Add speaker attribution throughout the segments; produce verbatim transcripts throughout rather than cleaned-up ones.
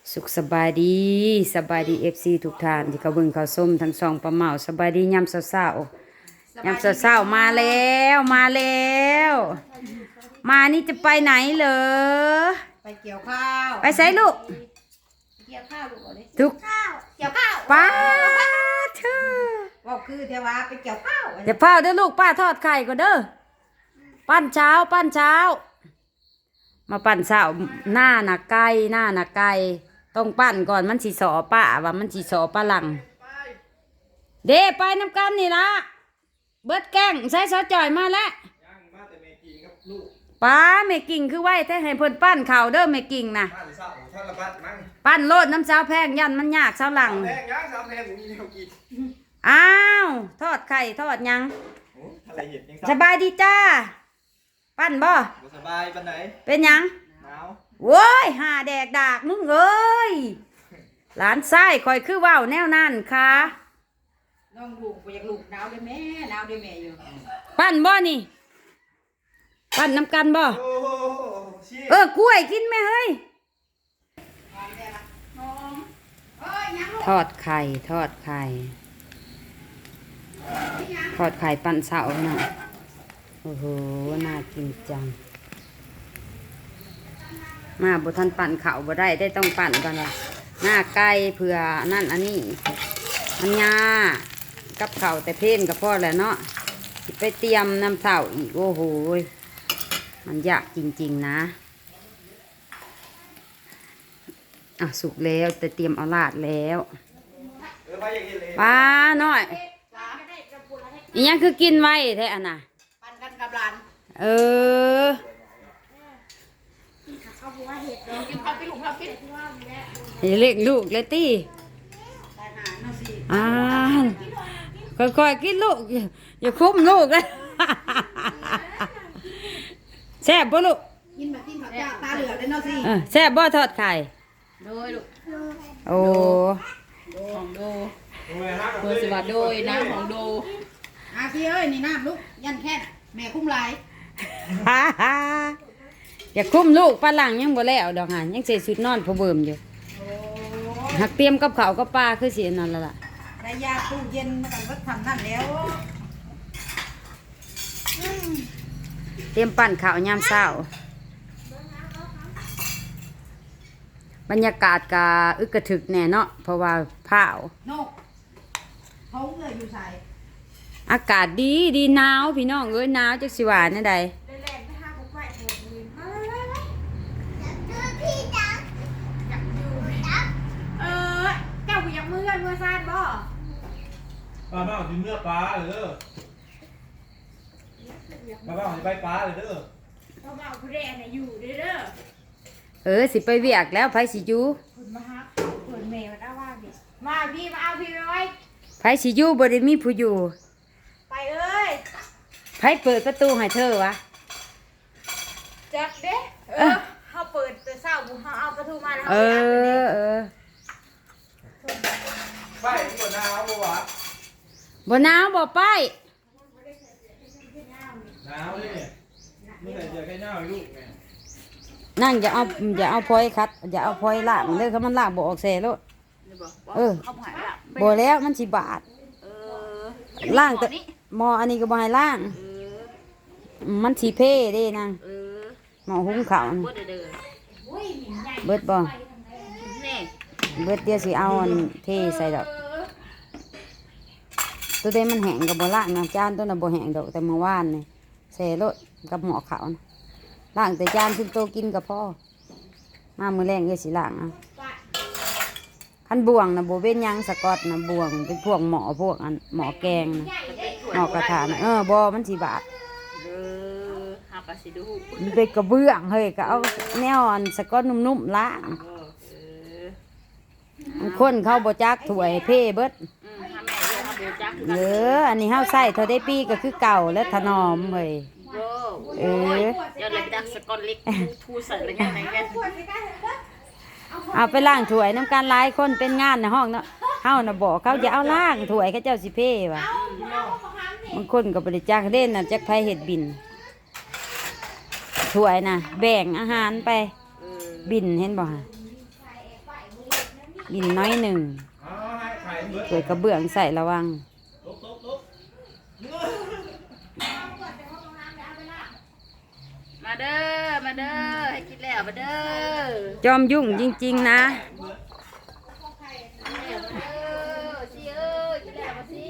Speaker 1: สุขสบายดีสบายดีเอฟซีทุกท่านที่เขาเบิ่งเขาส้มทั้งสองปลาเมาสบายดียามเช้าๆยามเช้าๆมาแล้วมาแล้วมานี่จะไปไหนเหรอ
Speaker 2: ไปเกี่ยวข้าว
Speaker 1: ไปใส่ลูก
Speaker 2: เกี่ยวข้าวลูกเอาดิ
Speaker 1: ทุก
Speaker 2: เกี่ยวข้าว
Speaker 1: ป้าเธอ
Speaker 2: ว่าคือเทวาไปเกี่ยวข้าว
Speaker 1: เดี๋ยวเผาเด้อลูกป้าทอดไข่ก่อนเด้อปั้นเช้าปั้นเช้ามาปั้นเช้าหน้าหนักไก่หน้าหนักไก่ต้องปั้นก่อนมันสีสอป้าว่ามันสีสอปลาหลังเด้ไปน้ำกันนี่ละเบิดแกงใส่ซอสจ่อยมาแล้วป้าแม่กิ่งคือไว้แท้ให้เพิ่นปั้นข่าวเด้อแม่กิ่งนะปั้นโลดน้ำเช้าแพงยันมันยากเช้าหลังอ้าวทอดไข่ทอดยังสบายดีจ้าปั้นบ่
Speaker 3: สบายปานไหน
Speaker 1: เป็นยัง
Speaker 3: หนาว
Speaker 1: โว้ยหาแดกดากมึงเอ้ยหลานไส้คอยคือว่าวแนวนั่นค่ะ
Speaker 2: น้องลูกไปอยากลูกหนาวได้แม่หนาวได้แม่อยู่
Speaker 1: ปั้นบ่นี่ปั้นน้ำกันบ่เออกล้วยกินไหมเฮ้ยทอดไข่ทอดไข่ทอดไข่ปั้นเสาหน่อยโอ้โหน่ากินจังมาบุทันปั่นเข่าบ่ได้ได้ต้องปั่นก่อนว่าหน้าไก่เผื่อนั่นอันนี้มันยากับเข่าแต่เพ่นกับพ่อแหละเนาะไปเตรียมน้ำเสาอีกโอ้โหมันยากจริงๆนะอ่ะสุกแล้วแต่เตรียมเอาลาดแล้วป้าหน่อยอีกอย่างคือกินไว้แท้อันน่ะ
Speaker 2: ปั่นกันกับหลาน
Speaker 1: เอออย่าเรียกลูกเลยตี้อ่าค่อยๆกินลูกอย่าคุ้มลูกเลยแซ่บบ่ลูก
Speaker 2: กินแบบกินแบบตาเหลือกเลยเนาะสิ
Speaker 1: แซ่บบ่ทอดไข่
Speaker 2: โดยลูก
Speaker 1: โอ้
Speaker 2: ของโดเบอร์สิบาโดยน้ำของโดอาพี่เอ้ยนี่น้ำลูกยันแค่แม่คุ้มลาย
Speaker 1: ฮ่าฮ่าอย่าคุ้มลูกปลาหลังยังบ่แล้วดอกหายังใส่ชุดนอนพอเบิ่มอยู่หักเตรียมกับข้าวกับปลาคือสินั่นละล่ะ
Speaker 2: ได้ยาตู้เย็นมากันก็ทำนั่นแล้ว
Speaker 1: เตรียมปั่นข้าวยามเช้าบรรยากาศกะอึกกระถึกแน่เนาะเพราะว่าผ้าวน
Speaker 2: กเขาเลยอยู่ใส่
Speaker 1: อากาศดีดีหนาวพี่น้องเอ้ยหนาวจักสิว่าแน่ใด
Speaker 2: เออเจ้าอยากมือกันมือซาดบ่
Speaker 3: ป้าบ้าถึงเมื่อป้าเลยเด้อป้าบ้าจะไปป้าเลยเด้อ
Speaker 2: ป้าบ้าผู้แรกเนี่ยอยู่เด้อ
Speaker 1: เออสิไปเวียกแล้วไผสิอยู่
Speaker 2: คุณมาฮักเปิดเมย์มาได้ว่าดิมาพี่มาเอาพี่ไปไว้
Speaker 1: ไผสิอยู่บ่ได้มีผู้อยู่
Speaker 2: ไปเอ้ย
Speaker 1: ไผเปิดประตูให้เธอวะ
Speaker 2: จักเด้เออเขาเปิดแต่เศร้าบุเขาเอาประตูมาแล้ว
Speaker 1: เออเออ
Speaker 3: ไปบ่หนาวบ่วะ
Speaker 1: บ่หนาวบ่ไป
Speaker 3: หนาวเลยเนี่ยมึงแต่เจอแค่หนาวลูกแม่
Speaker 1: นั่งอย่าเอาอย่าเอาพลอยคัดอย่าเอาพลอยล่างเลยเขามันล่างบ่ออกแซ่โลดเออบ่แล้วมันสิบาทล่างแต่หม้ออันนี้ก็บ่ให้ล่างมันสิเพ่เด้นางหม้อหุงข้าวเบิดบ่เบิดเดี๋ยวสิเอาอันเทใส่ดอกตัวเด้มันแห้งกับบ่ล่างนะจานตัวน่ะบ่แห้งดอกแต่เมื่อวานนี่แซ่โลดกับหม้อข้าวนะล่างแต่จานขึ้นโตกินกับพ่อมามือแรงก็สิล่างอ่ะขั้นบ่วงนะโบเป็นยังสกอตนะบ่วงเป็นพวกหมอพวกอันหมอแกงนะหมอกระถางเออบอมันสีบาทมันเป็นกระเบื้องเฮ้ยก็เอาแนวอันสกอตนุ่มๆล่างคนเข้าโบจักถวยเพ่เบิดเอออันนี้เฮาใส่เท่าได้ปีก็คือเก่าและถนอมเฮ้ยเออ
Speaker 4: ยังเลยดักสกอตเล็กทูใส่อะไรเงี้ยไหนเงี้ย
Speaker 1: เอาไปล้างถ้วยน้ำการหลายคนเป็นงานในห้องเนาะเฮาน่ะบอกเขาอย่าเอาล้างถ้วยเขาเจ้าสิเพ่ว่ะบางคนก็บริจาคเด่นน่ะจักไผเฮ็ดบินถ้วยน่ะแบ่งอาหารไปบินเห็นบ่ฮะกินน้อยหนึ่ง
Speaker 3: เอาให้ไข่เบิด
Speaker 1: เปิดกระเบื้องใส่ระวัง
Speaker 3: ลุกลุกลุก
Speaker 4: มาเด้อมาเด้อให้กินแล้วมาเด้อ
Speaker 1: จอมยุ่งจริงๆนะ
Speaker 4: เดี๋ยวมาเด้อสิเอ้ยกินแล้วมาสิ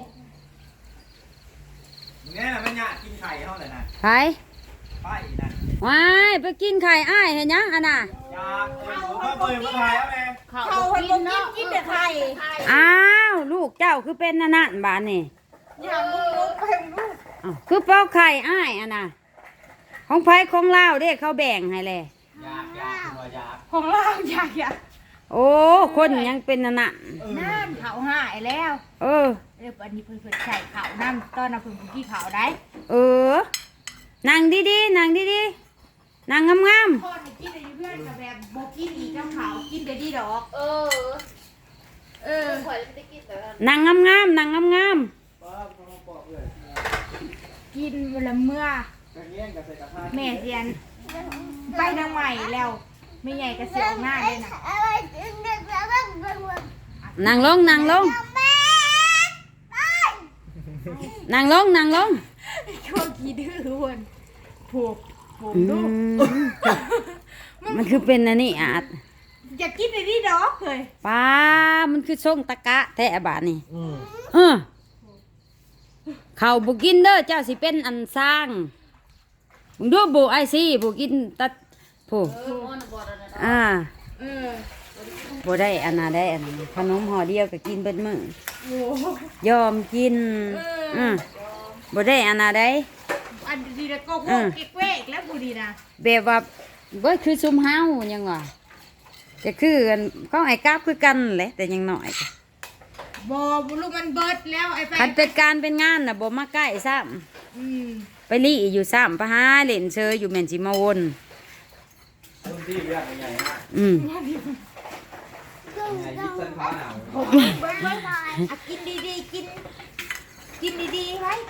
Speaker 3: เนี่ยนะแม่เนี่ยกินไข่เท่าไหร่นะ
Speaker 1: ไป
Speaker 3: ไปนะ
Speaker 1: ว้ายไปกินไข่อ้ายเห็นยังอันน่ะ
Speaker 3: ยาเออเขาเปิดมาถ่ายแล้วแม่
Speaker 4: เขากินเนาะกินแต่ไข่
Speaker 1: อ้าวลูกเจ้าคือเป็นนั่นนั่นบ้านนี่
Speaker 4: อย่างลูกลูกเพิ่มลูก
Speaker 1: อ้าวคือเป้าไข่อ้ายอันน่ะของไผของเล่าวเด้เขาแบ่งให้แล
Speaker 3: ยากยากตัวยาก
Speaker 2: ของเราอยากอยาก
Speaker 1: โอ้คนยังเป็นนั่นน่ะ
Speaker 2: น้ำเขาหายแล้ว
Speaker 1: เออ
Speaker 2: เดี๋ยวอันนี้เพิ่นเพิ่นใส่เขาน้ำตอนน่ะเพิ่นเพิ่นกี้เขาได้
Speaker 1: เออนั่งดีๆนั่งดีๆนั่งงาม
Speaker 2: พ่อให้กินได้อยู่เพื่อนกับแบบบ่กินอีกกับเขากินได้ดีดอก
Speaker 4: เออ
Speaker 2: เออ
Speaker 4: ข่อยไม่ได้กินแต่ว่า
Speaker 1: ๆนั่งงามๆนั่งงาม
Speaker 3: ป้าพ่อบอกเลย
Speaker 2: กินเวลาเมื่อก
Speaker 3: ระเงี้ยงกับใส่กระทะ
Speaker 2: แม่เสียนไปทางใหม่แล้วไม่ใหญ่ก็เสียหน้าเลยนะ
Speaker 1: ๆนั่งลงนั่งลงนั่งลงนั่งลง
Speaker 2: ช่วงกี่ดื้อวนผูกผม
Speaker 1: อื
Speaker 2: ดู
Speaker 1: มมันคือเป็นอันนี้อาจ
Speaker 2: อยากกินได้ดีดอกเลย
Speaker 1: ป้ามันคือส่งตะกะแทะบาดนี่
Speaker 3: อืม
Speaker 1: เออเขาบุกินเด้อเจ้าสิเป็นอันสร้างมึงดูบุไอซีบุกินตัดผู้
Speaker 4: เออมันบ่ได้นะ
Speaker 1: อ่า
Speaker 2: เออ
Speaker 1: บ่ได้อันน่ะได้อันขนมห่อเดียวก็กินเบิดมื้อ
Speaker 2: โอ้
Speaker 1: ยอมกินอืมบ่ได้อันน่ะได้
Speaker 2: อันดีแล้วก็โค
Speaker 1: อืม
Speaker 2: กเก๊กเวกแล้วบูดีนะ
Speaker 1: แบบว่าบ่คือซุมเฮายังว่าจะคือกันเขาไอ้กราบคือกันแหละแต่ยังน้อย
Speaker 2: บอบุลูกมันเบิดแล้วไอ้ไป
Speaker 1: คันเป็นการเป็นงานน่ะบ่มาใกล้ซ้ำ
Speaker 2: อืม
Speaker 1: ไปลี่อยู่ซ้ำไปหาเล่นเชยอยู่แม่นสิมาวน
Speaker 3: ต้นที่เรียกใหญ่มาก
Speaker 1: อืม
Speaker 3: ใหญ่ยิบเส้นผ้าหนาว
Speaker 2: เบิดเบิดอ่ะกินดีๆกิน กินดีๆไว้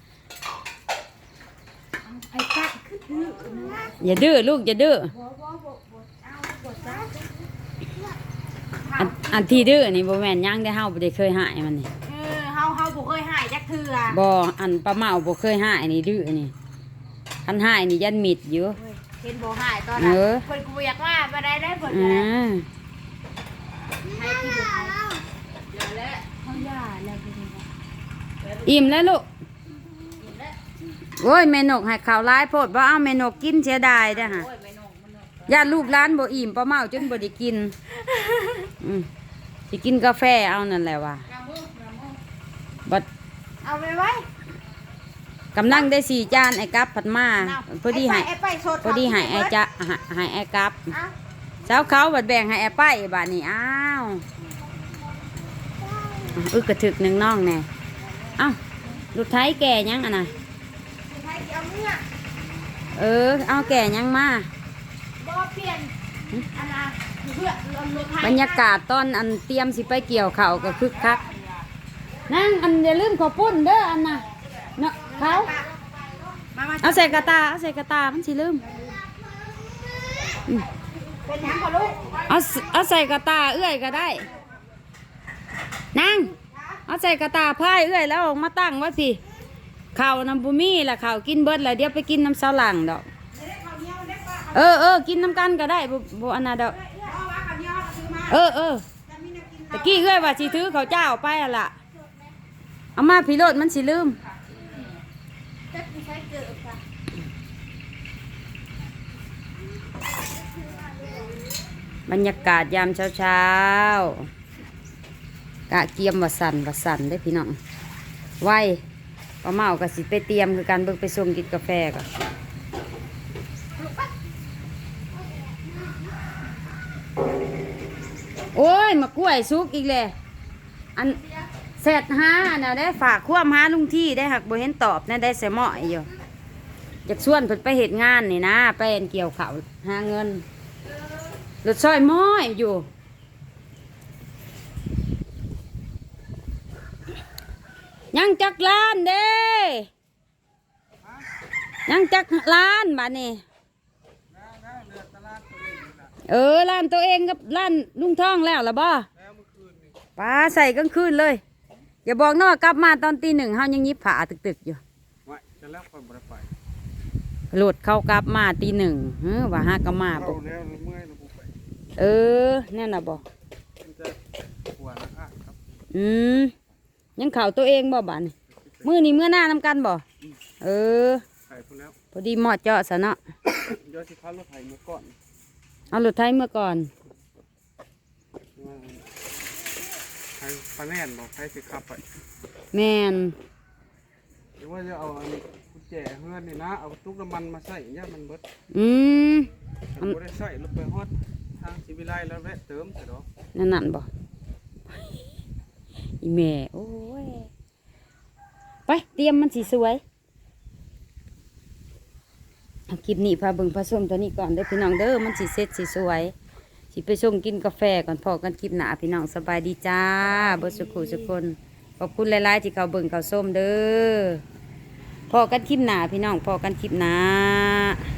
Speaker 2: ไอ้กัดคือดื้อนะ
Speaker 1: อย่าดื้อลูกอย่าดื้อ
Speaker 2: บ่บ่บ่บ่เอาบ่จ้า
Speaker 1: อันอันที่ดื้อนี่บ่แม่นหยังได้เฮาบ่ได้เคยหายมันนี่
Speaker 2: เออเฮาเฮาบ่เคยหายจักเทื่อ
Speaker 1: บ่อันป้าเมาบ่เคยหายนี่ดื้อนี่คันหายนี่ยันมิดอยู่
Speaker 2: เฮ้ยเห็นบ่หายตอนนั้น
Speaker 1: เออ
Speaker 2: เพิ่นกูบ่อยากว่าบ่ได้ได้เพิ่น
Speaker 1: อ่
Speaker 2: ก็ได้
Speaker 1: า
Speaker 2: ให้ที่บ่หาย
Speaker 4: เดี๋ยวแล้ว
Speaker 2: เฮาย่าแล้วเพิ่นว่า
Speaker 1: อิ่มแล้วลูก
Speaker 4: กินแล้ว
Speaker 1: โอ้ยแม่นกให้ข้าวหลายโพดบ่เอาแม่นกกินเสียดายเด้อฮะ
Speaker 4: โอ้ยไม่นงมันนง
Speaker 1: ญาติลูกหลานบ่อิ่มป้าเมาจนบ่ได้กินอืมสิกินกาแฟเอานั่นแหละว่ะ
Speaker 4: น้ำมือน้ำมือ
Speaker 1: บัด
Speaker 2: เอาไปไว้
Speaker 1: กำลังได้สี่จานไอ้กับผัดมา
Speaker 2: เอา
Speaker 1: พอดีให้
Speaker 2: ไอ้ไปสด
Speaker 1: พอดีให้ไอ้จะให้ให้ไอ้กับ
Speaker 2: เอา
Speaker 1: เจ้าเขาบัดแบ่งให้ไอ้ไปบาดนี้อ้าวอึกกระถึกหนึ่งน้องแน่เอ้าลูกไทยแก่ยังอ่ะนะ
Speaker 2: ใครสิเอาเมื่อ
Speaker 1: เออเอาแก่ยังมา
Speaker 2: บ่เปลี่ยนอันน่ะเพื่อลดลดให้
Speaker 1: บรรยากาศตอนอันเตรียมสิไปเกี่ยวเขาวก็คึกคักนั่งอันอย่าลืมขอปุ้นเด้ออันน่ะเนาะเขา
Speaker 2: มามา
Speaker 1: เอาใส่กระตาเอาใส่กระตามันสิลืม
Speaker 2: เป็นหยังก่อนลูก
Speaker 1: เอาสเอาใส่กระตาเอื้อยก็ได้นั่งเอาใส่กระตาพายเอื้อยแล้วเอามาตั้งไว้พี่ข้าวน้ำบุมี่ละข้าวกินเบิดแล้วเดี๋ยวไปกินน้ำเสาหลังดอกเออเออกินน้ำกันก็ได้บ่บ่อันน่ะดอกเออเออตะกี้เอื้อยว่าสิถือข้าวเจ้าไปอะล่ะเอามาพี่โรดมันสิลืมบรรยากาศยามเช้าเช้ากะเกียมวัสันวัสันได้อพี่น้องไว้ป้าเมาก็สิไปเตรียมคือการเบิกไปส่งกินกาแฟก่อนโอ้ยมากล้วยสุกอีกเลยอันเสร็จหาน่ะได้ฝากความหาลุงที่ได้หักบ่เห็นตอบนะได้เสยหมอยอยู่อยากชวนเพิ่นไปเหตุงานนี่นะไปอันเกี่ยวข้าวหาเงินรถซอยม้อยอยู่ยังจักล้านเด้ยังจักล้านบาดนี้เออร้านตัวเองกับร้านลุงท่องแล้วล่ะบ่
Speaker 3: แล้วเมื่อคืนนี่
Speaker 1: ป้าใส่กลางคืนเลย อย่าบอกนอกกลับมาตอนตีหนึ่งเฮายังยิบผ้าตึกๆอยู่
Speaker 3: ไว้จะแล้วคนบ่ได้ไป
Speaker 1: โหลดเข้ากลับมาตีหนึ่งเฮ้อว่าหากะมา
Speaker 3: เข้า
Speaker 1: บ่
Speaker 3: แล้วเมื่อยแล้วบ่ไป
Speaker 1: เออแน่น่ะบ่
Speaker 3: มันจะหัวนะอ่ะครับ
Speaker 1: อืมยังเข่าตัวเองบ่บาดนี่มื้อนี้มื้อหน้านำกันบ่เออ
Speaker 3: ไข่พุ่นแล้ว
Speaker 1: พอดีเหมาะเจาะซะเนาะ
Speaker 3: เดี๋ยวสิพารถไถเมื่อก่อน
Speaker 1: เอารถไถเมื่อก่อน
Speaker 3: ว่าไถปลาแน่นบอกไถสิขับไป
Speaker 1: แม่น
Speaker 3: หรือว่าจะเอาอันกุญแจเฮือนนี่นะเอาตุ๊กน้ำมันมาใส่ย่ามันเบิด
Speaker 1: อืม
Speaker 3: ถ้าบ่ได้ใส่รถไปฮอดทางสิวิไลแล้วแวะเติมเถอะดอก
Speaker 1: นั่นนั่นบ่อีแม่โอ้ยไปเตรียมมันสิสวยเอาคลิปนี้พาเบิ่งพาส้มตัวนี้ก่อนเด้อพี่น้องเด้อมันสิเสร็จสิสวยสิไปส่งกินกาแฟก่อนพอกันคลิปหน้าพี่น้องสบายดีจ้าเบ่สุขุสุกคนขอบคุณหลายๆที่เขาเบิ่งเขาส้มเด้อพอกันคลิปหน้าพี่น้องพอกันคลิปหน้า